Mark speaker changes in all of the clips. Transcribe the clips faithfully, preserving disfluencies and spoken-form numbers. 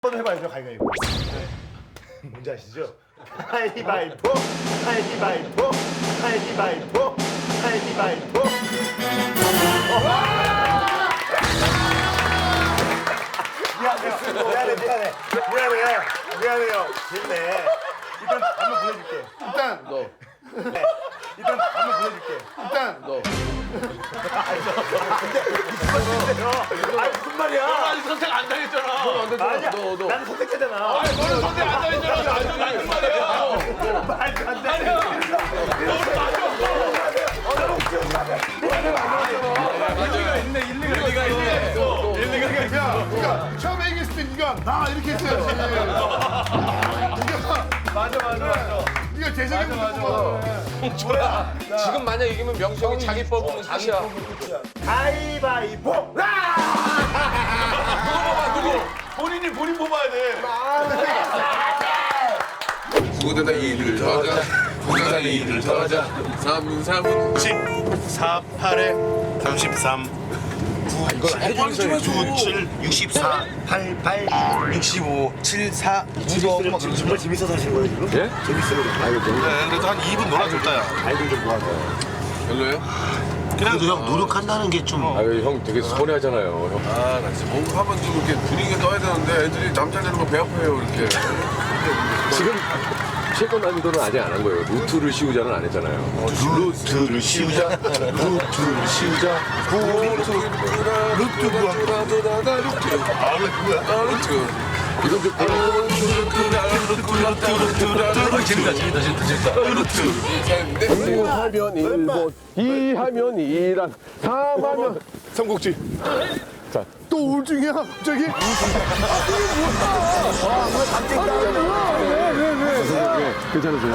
Speaker 1: 한번 해봐야죠, 가위바위보. 뭔지 아시죠? 가위바위보, 가위바위보, 가위바위보, 가위바위보. 미안해요, 미안해, 미안해, 미안해요, 미안해요. 재밌네. 일단 한번 보여줄게. 일단
Speaker 2: 너.
Speaker 1: 네. 일단 한번 보여줄게. 일단
Speaker 2: 너.
Speaker 1: 아니 무슨 말이야?
Speaker 3: 아니 선택 안 당했잖아.
Speaker 1: 아니야.
Speaker 2: 너, 너.
Speaker 1: 나는 선택했잖아.
Speaker 3: 아니 너는 선택 안 당했잖아. 아주 맞는 말이야.
Speaker 1: 말도 안 돼.
Speaker 3: 일리가 있네. 일리가 있네. 일리가 있어.
Speaker 4: 야, 그러니까 처음에 얘기했을 때 네가 나 이렇게 했어야지. 네가
Speaker 3: 맞아 맞아 맞아.
Speaker 4: 네가 재석이 맞아.
Speaker 2: 지금 만약 이기면 명수 형이 자기 뽑으면 끝이야.
Speaker 1: 가위바위보.
Speaker 3: 누구 뽑아 누구? 본인이 본인 뽑아야 돼.
Speaker 2: 구대다 이를 더하자. 구대다 이를 더하자. 삼, 삼은
Speaker 5: 십, 사, 팔에 삼십삼,
Speaker 2: 이걸
Speaker 5: 구, 칠, 육십사, 팔, 팔, 육십오, 칠, 사,
Speaker 1: 지금 정말 재밌어서 하신 거예요 지금?
Speaker 2: 예?
Speaker 1: 재밌어요.
Speaker 5: 네, 그래도 한 이 분 놀아줬다, 야.
Speaker 1: 아이들 좀 모아서.
Speaker 2: 별로예요?
Speaker 5: 그래도 형 노력한다는 게 좀.
Speaker 2: 아유 형 되게 서운해하잖아요. 형. 아, 나 진짜 뭔가 한번 좀 이렇게 분위기가 떠야 되는데 애들이 남자 되는 거 배 아파요 이렇게. 지금 최고 난이도는 아직 안 한 거예요. 루트를 씌우자는 안 했잖아요.
Speaker 5: 루트를 씌우자, 루트를 씌우자.
Speaker 2: 루트 루트 뭐야? 루트.
Speaker 5: 아, 원래 그거야?
Speaker 2: 아, 루트. 이건 좀
Speaker 5: 재밌다, 재밌다, 재밌다, 재밌다. 루트.
Speaker 2: 일 하면 일본, 이 하면 이란, 삼 하면 삼국지. 자,
Speaker 4: 또 우울증이야 갑자기?
Speaker 2: 괜찮으세요?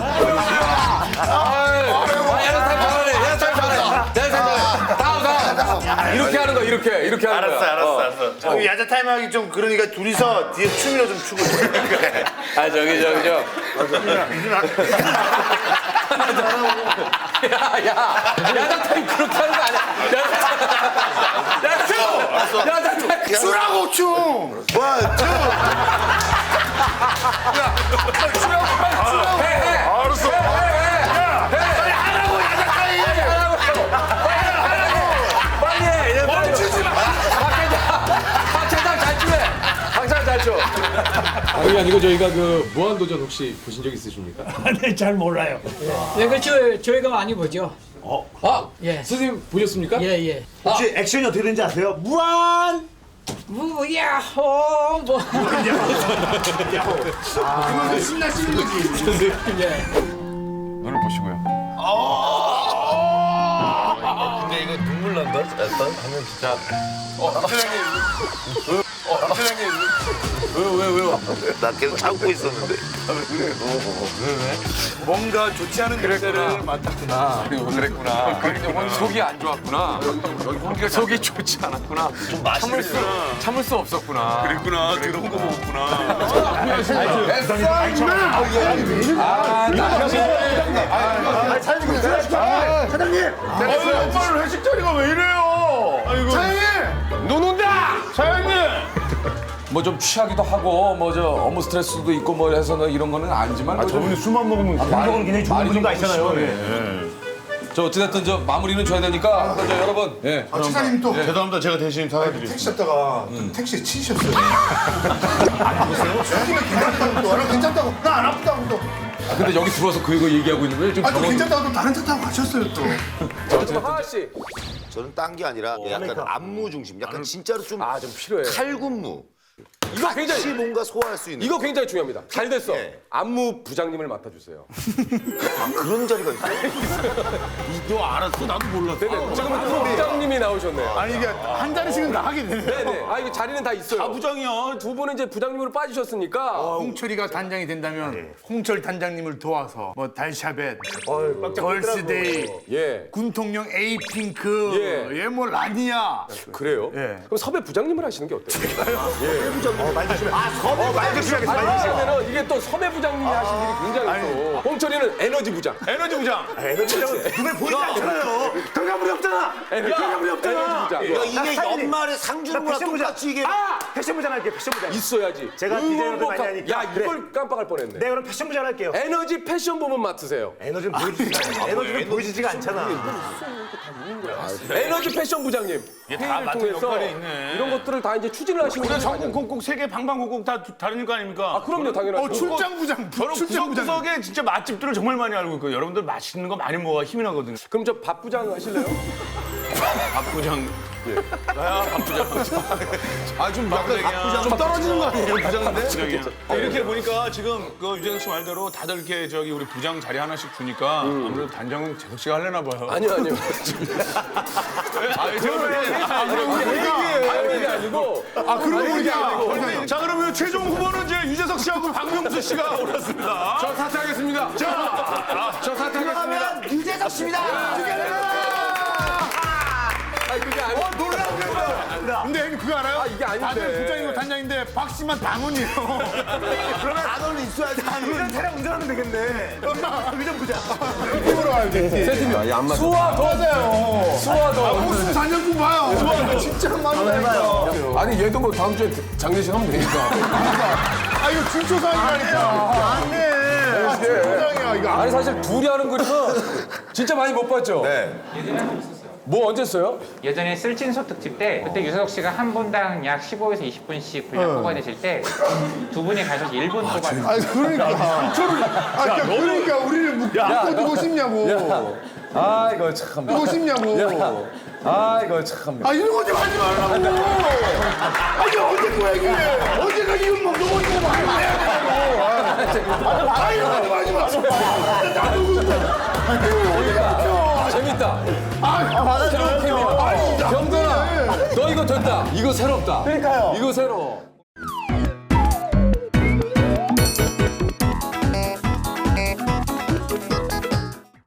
Speaker 2: 이렇게 하는 거 이렇게 이렇게 하는
Speaker 5: 알았어,
Speaker 2: 거야.
Speaker 5: 알았어, 알았어.
Speaker 1: 어. 야자 타임 하기 좀 그러니까 둘이서 뒤에 춤이나 좀 추고.
Speaker 2: 아 저기 저기 저. 야야 야자 타임 그렇게 하는 거 아니야. 야자 타임. 야자 타임.
Speaker 1: 추라고 춤. 원, 투.
Speaker 2: 해해.
Speaker 5: 알았어.
Speaker 2: 빨리 하라고 야자 타임. 빨리 해. 이제 멈추지 마. 박재상 잘 추해. 박재상 잘 춰.
Speaker 6: 그게 아니고 저희가 그 무한도전 혹시 보신 적 있으십니까?
Speaker 7: 네, 잘 몰라요.
Speaker 8: 예, 그렇죠. 저희가 많이 보죠.
Speaker 6: 아,
Speaker 8: 예.
Speaker 6: 선생님 보셨습니까?
Speaker 8: 예, 예.
Speaker 1: 혹시 액션이 어떻게 되는지 아세요? 무한.
Speaker 8: 무야호 뭐.
Speaker 4: 그러면서 신나시는 거지.
Speaker 2: 눈을 보시고요.
Speaker 5: 근데 이거 눈물 난다, 약간 하면 진짜.
Speaker 2: 어, 사장님. 어, 사장님. 왜요, 왜요, 왜요?
Speaker 5: 나 계속 참고 있었는데.
Speaker 3: 뭔가 좋지 않은 것들을 맡았구나.
Speaker 2: 그랬구나. 그러니까 속이 안 좋았구나. 여기 속이 좋지 않았구나.
Speaker 5: 좀
Speaker 2: 참을 수,
Speaker 5: 맛있구나.
Speaker 2: 참을 수 없었구나.
Speaker 5: 그랬구나. 더러운 거 먹었구나.
Speaker 1: 아, 사장님, 사장님.
Speaker 3: 아유 오빠는 회식 자리가 왜 이래요? 아이고.
Speaker 2: 눈 온다!
Speaker 3: 사장님.
Speaker 6: 뭐 좀 취하기도 하고 뭐 저 업무 스트레스도 있고 뭐 해서는 이런 거는 아니지만 뭐 좀-
Speaker 1: 저분이 술만 먹으면 건강은 굉장히 좋은
Speaker 6: 많이
Speaker 1: 분인 거
Speaker 6: 좀
Speaker 1: 아시잖아요.
Speaker 6: 심하네. 저 어찌됐든 저 마무리는 줘야 되니까 저 여러분 예.
Speaker 4: 아, 차장님 또
Speaker 5: 죄송합니다. 제가 대신 사과드리겠습니다.
Speaker 4: 택시 탔다가 택시에 치셨어요. 안 보세요? 술이면 괜찮다고 또. 나 괜찮다고. 나 안 아프다고 또.
Speaker 6: 아, 근데 여기 들어와서 그 이거 얘기하고 있는 거예요? 좀
Speaker 4: 아, 또
Speaker 6: 당황-
Speaker 4: 괜찮다고 또 다른 차 타고 가셨어요 또.
Speaker 6: 어쨌든
Speaker 2: 하하 씨.
Speaker 9: 저는 딴 게 아니라 약간 안무 중심, 약간 진짜로 좀
Speaker 2: 아, 좀 필요해.
Speaker 9: 칼군무.
Speaker 2: 이거 굉장히
Speaker 9: 같이 뭔가 소화할 수 있는
Speaker 2: 이거 굉장히 중요합니다. 잘 됐어.
Speaker 9: 예.
Speaker 2: 안무 부장님을 맡아주세요.
Speaker 9: 그런 자리가 있어요.
Speaker 5: 너 알았어? 나도 몰랐어.
Speaker 2: 네네. 지금 안무 부장님이 나오셨네요.
Speaker 4: 아니 이게 한 자리씩은 나가게 되네.
Speaker 2: 네네. 아 이거 자리는 다 있어요. 아 부장이요. 두 분은 이제 부장님으로 빠지셨으니까.
Speaker 7: 홍철이가 단장이 된다면 홍철 단장님을 도와서 뭐 달샤벳, 걸스데이,
Speaker 2: 예.
Speaker 7: 군통령 에이핑크,
Speaker 2: 예.
Speaker 7: 얘뭐 라니아.
Speaker 2: 그래요?
Speaker 7: 예.
Speaker 2: 그럼 섭외 부장님을 하시는 게 어때요? 예.
Speaker 9: 섭외부장님.
Speaker 5: 말 조심해.
Speaker 9: 아, 섭외부장님.
Speaker 5: 말 조심하겠습니다. 말 조심해.
Speaker 6: 그러면은 이게 또 섭외 부장님이 하신 일이 굉장히 또 홍철이는 에너지 부장.
Speaker 3: 에너지 부장.
Speaker 5: 에너지장은 눈에 보이지 않잖아요. 결과물이 없잖아. 결과물이 없잖아.
Speaker 6: 에너지 부장.
Speaker 9: 야, 이게
Speaker 5: 사진이-
Speaker 9: 연말에 상 주는 거랑
Speaker 5: 패션부장.
Speaker 9: 똑같이 이게.
Speaker 5: 아! 패션부장 할게요. 패션부장.
Speaker 6: 있어야지.
Speaker 5: 제가 디자이너도 많이
Speaker 6: 응원복합-
Speaker 5: 하니까.
Speaker 6: 야 이걸 깜빡할 뻔했네.
Speaker 5: 네, 그럼 패션부장 할게요.
Speaker 6: 에너지 패션 부문 맡으세요.
Speaker 5: 에너지는 보여지지가 않아. 에너지는 보여지지가 않잖아.
Speaker 6: 에너지 패션 부장님.
Speaker 3: 다
Speaker 6: 회의를
Speaker 3: 맡은
Speaker 6: 통해서
Speaker 3: 역할이 있네.
Speaker 6: 이런 것들을 다 이제 추진을 하시는
Speaker 3: 우리가
Speaker 6: 분이
Speaker 3: 전국
Speaker 6: 많아요.
Speaker 3: 곡곡 세계 방방곡곡 다 다른 거 아닙니까?
Speaker 6: 아 그럼요 당연하죠.
Speaker 3: 어,
Speaker 7: 출장 부장,
Speaker 3: 저는
Speaker 7: 출장 부장.
Speaker 3: 구석구석에 진짜 맛집들을 정말 많이 알고 있고 여러분들 맛있는 거 많이 먹어야 힘이 나거든요.
Speaker 6: 그럼 저 밥 부장 하실래요?
Speaker 3: 박 부장. 나야 박 부장.
Speaker 7: 아좀 약간
Speaker 3: 부장.
Speaker 7: 좀 떨어지는 거 아니에요 부장인데?
Speaker 3: 부장이야. 이렇게 보니까 지금 그 유재석 씨 말대로 다들 이렇게 저기 우리 부장 자리 하나씩 주니까 아무래도 단장은 재석 씨가 하려나 봐요.
Speaker 6: 아니요 아니요.
Speaker 3: 아, 제가 그래.
Speaker 6: 아니 이게 아니고.
Speaker 7: 아 그러고 보니까
Speaker 3: 자, 그러면 최종 후보는 이제 유재석 씨하고 박명수 씨가 올랐습니다.
Speaker 6: 저 사퇴하겠습니다.
Speaker 3: 자, 저 사퇴하겠습니다.
Speaker 5: 그러면 유재석 씨입니다.
Speaker 6: 아니 그게 아니고.
Speaker 7: 근데 형님 그거 알아요?
Speaker 6: 아, 이게 아닌데.
Speaker 7: 다들 부장이고 단장인데 박 씨만 당원이에요.
Speaker 5: 그러면 단원은 있어야지. 단원은 차량 운전하면 되겠네. 의전 부장.
Speaker 7: 팀으로 가야 돼.
Speaker 6: 세팀이 수화 더 맞아요. 수화 더.
Speaker 7: 무슨 단장품 봐요. 수아 진짜 맞아요.
Speaker 6: 아니 얘도 뭐 다음 주에 장례식 하면 되니까.
Speaker 7: 아 이거 중초상이라니까. 안돼. 중초상이야 이거.
Speaker 6: 아니 사실 둘이 하는 그림은 진짜 많이 못 봤죠. 네. 뭐 언제 써요?
Speaker 10: 예전에 쓸진소 특집 때 그때 유재석 씨가 한 분당 약 십오에서 이십 분씩 분량 뽑아내실 때 두 분이 가셔서 일 분 뽑아내셨어요.
Speaker 7: 아니 그러니까. 아 그러니까 우리를 묶고 두고 싶냐고.
Speaker 6: 아 이거 참.
Speaker 7: 두고 싶냐고.
Speaker 6: 아 이거 참.
Speaker 7: 아 이런 거 좀 하지 말라고. 아 이게 언제 거야 이게. 언제가 이건 뭐 너무 이거 많이 해야 되냐고. 아 이런 거 좀 하지 마. 나도 그거.
Speaker 6: 재밌다.
Speaker 7: 아 맞아.
Speaker 6: 경돈아, 너 이거 됐다. 이거 새롭다. 그러니까요. 이거 새로워.